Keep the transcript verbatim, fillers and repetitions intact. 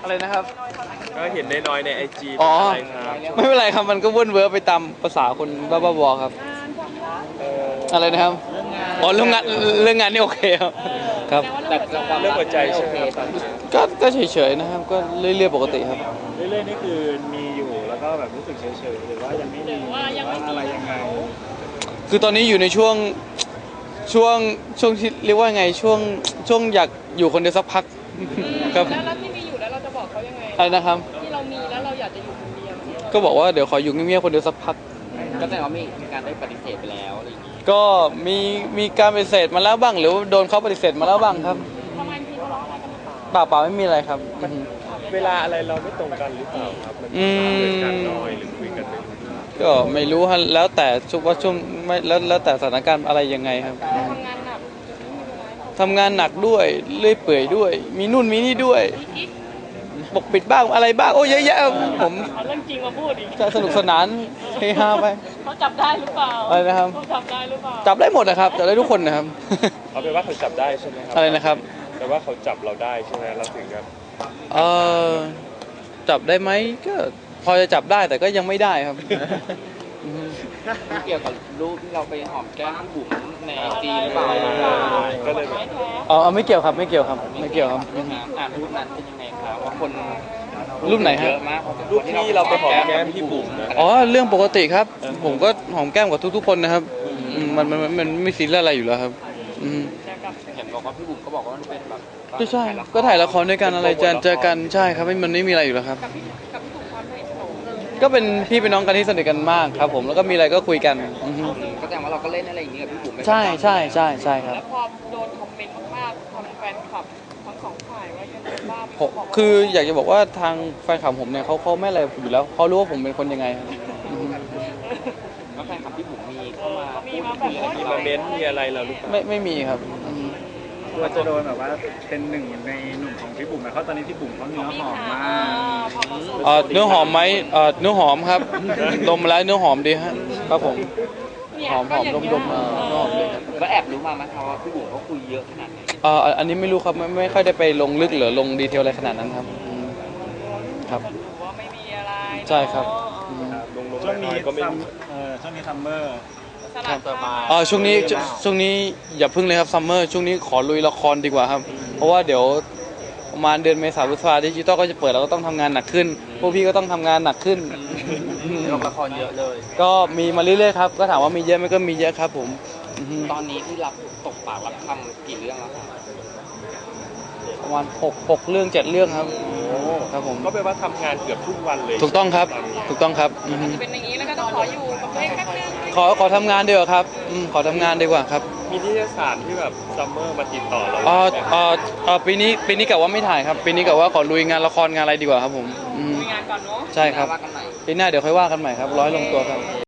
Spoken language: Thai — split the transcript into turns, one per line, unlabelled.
อะไรนะครับ
ก็เห็นน้อยๆในไอจี
อ๋อ
อะไรครับ
ไม่เป็นไรครับมันก็วุ่นเวอร์ไปตามภาษาคนบ้าๆบอๆครับอะไรนะครับอ๋อเรื่องงานเรื่องงานนี่โอเคครับครับ
แต่เรื่องหัวใจใช่ไหมครับ
ก็ก็เฉยๆนะครับก็เรื่อยๆปกติครับ
เรื่อยๆนี่คือมีอยู่แล้วก็แบบรู้สึกเฉยๆหรือว่ายังไม่มีหรือว่าอะไรยังไง
คือตอนนี้อยู่ในช่วงช่วงช่วงที่เรียกว่าไงช่วงช่วงอยากอยู่คนเดียวสักพักครับ
แล้วที่มีอยู่แล้วเราจะบอกเขายังไง
อะไรนะครับ
ที่เรามีแล้วเราอยากจะอยู่คนเดียว
ก็บอกว่าเดี๋ยวขออยู่เงียบๆคนเดียวสักพัก
ก็แสดงว่ามีการได้ปฏิเสธไปแล้วอะไรอย่างนี้
ก็มีมีการปฏิเสธมาแล้วบ้างหรือโดนเขาปฏิเสธมาแล้วบ้างครับ
ประมาณทีทะเลาะอะไรกันหรือเปล่า
เปล่าเปล่าไม่มีอะไรครับ
เวลาอะไรเราไม่ตรงกันหรือเปล่าครับมันเกิดการน้อยหรือคุยกันไม่รู้
ก็ไม่รู้ฮะแล้วแต่ช่วงว่าช่วงไม่แล้วแล้วแต่สถานการณ์อะไรยังไงครับ
ทำงานหนัก
ทำงานหนักด้วยเลื่อยเปื่อยด้วย มีนู่นมีนี่ด้วยปกปิดบ้างอะไรบ้างโอ้เยอะแยะผม
เอาเรื่องจริงมาพูดอีก
จะสนุกสนานเฮฮาไป
เขาจับได้หรือเปล่า
อะไรนะครับ
เขาจับได้หรือเปล่า
จับได้หมดนะครับจับได้ทุกคนนะครับ
เอาเป็นว่าเขาจับได้ใช่ไหมครับ
อะไรนะครับ
แต่ว่าเขาจับเราได้ใช่ไหมเราถึงกับ
เออจับได้ไหมก็พอจะจับได้แต่ก็ยังไม่ได้ครับ
เกี่ยวกับรูปที่เราไปหอมแก้มพี่บุ๋มในไอจีหรือเปล่า
ก็เลย
อ๋อไม่เกี่ยวครับไม่เกี่ยวครับไม่เกี่ยวครับ
อ่านรูปนั้นเป็นยังไงครับว่าคน
รูปไหนฮะ
เยอะมาก
รูปที่เราไปหอมแก้มพี่บุ๋ม
อ๋อเรื่องปกติครับผมก็หอมแก้มกับทุกๆคนนะครับมันมันมันไม่ซีเรียสอะไรอยู่แล้วครับ
เห็นบอกว่าพี่บุ๋มก็บอกว่ามันเป็นแบบ
ก็ใช่ก็ถ่ายละครด้วยกันอะไรเจอเจอกันใช่ครับไม่มันไม่มีอะไรอยู่แล้วครับก็เป็นพี่เป็นน้องกันที่สนิทกันมากครับผมแล้วก็มีอะไรก็คุยกัน
ก็แสดงว่าเราก็เล่นอะไรอย่างนี้กับพี่บุ๋ม
ใช่ใช่ใช่ใช่ครับ
แล้วพอโดนคอมเมนต์มากๆทางแฟนคลับทั้งสองฝ่ายว่ายังไงบ้าง
คืออยากจะบอกว่าทางแฟนคลับผมเนี่ยเขาเขาไม่อะไรอยู่แล้วเขารู้ว่าผมเป็นคนยังไง
แล้วแฟนคลับพี่บุ๋มมีเข้ามา
มีมาแบบ
มีมาเม้นมีอะไรเราหรือเปล่า
ไม่ไม่มีครับ
ว่าจะโดนแบบว่าเป็นหนึ่งในหนุ่มของพี่บุ๋มนะเพราะตอนนี้พี่บุ๋มเขาเนื้อหอมมาก
เนื้อหอมไหมเนื้อหอมครับดมแล้วเนื้อหอมดีฮะครับผมหอมหอมดมดมเนื้อหอมเลย
แล้วแอบรู้มาไหมครับว่าพี่บุ๋มเขาคุยเยอะขนาดไหน
อ่าอันนี้ไม่รู้ครับไม่ไม่ค่อยได้ไปลงลึกหรือลงดีเทลอะไรขนาดนั้นครับครับ
ว่าไม่มีอะไร
ใช่ครับ
ช่วงนี้ก็ไม่เออช่วงนี้ซัมเมอร์
อ๋อช่วงนี้ช่วงนี้อย่าพึ่งเลยครับซัมเมอร์ช่วงนี้ขอลุยละครดีกว่าครับเพราะว่าเดี๋ยวประมาณเดือนเมษาพฤษภาดิจิตอลก็จะเปิดเราก็ต้องทำงานหนักขึ้นพวกพี่ก็ต้องทำงานหนักขึ้น
ละครเยอะเลย
ก็มีมาเรื่อยๆครับก็ถามว่ามีเยอะไหมก็มีเยอะครับผม
ตอนนี้ที่รับตกปากรับคำกี่เรื่องแล้วครับ
ประมาณหกหกเรื่องเจ็ดเรื่องครับครับผม
ก็แปลว่าทำงานเกือบทุกวันเลย
ถูกต้องครับถูกต้องครับ
จะเป็นอย่างนี้แล้วก็ต้องขออยู่กับตัวเองแป๊บนึง
ขอขอทำงานดีกว่าครับขอทำงานดีกว่าครับ
มีนิตยสารที่แบบซัมเมอร์มาติดต่อเรา
อ๋ออ๋อปีนี้ปีนี้กะว่าไม่ถ่ายครับปีนี้กะว่าขอลุยงานละครงานอะไรดีกว่าครับผม
ลุยงานก่อนเนาะ
ใช่ครับปีหน้าเดี๋ยวค่อยว่ากันใหม่ครับร้อยลงตัวครับ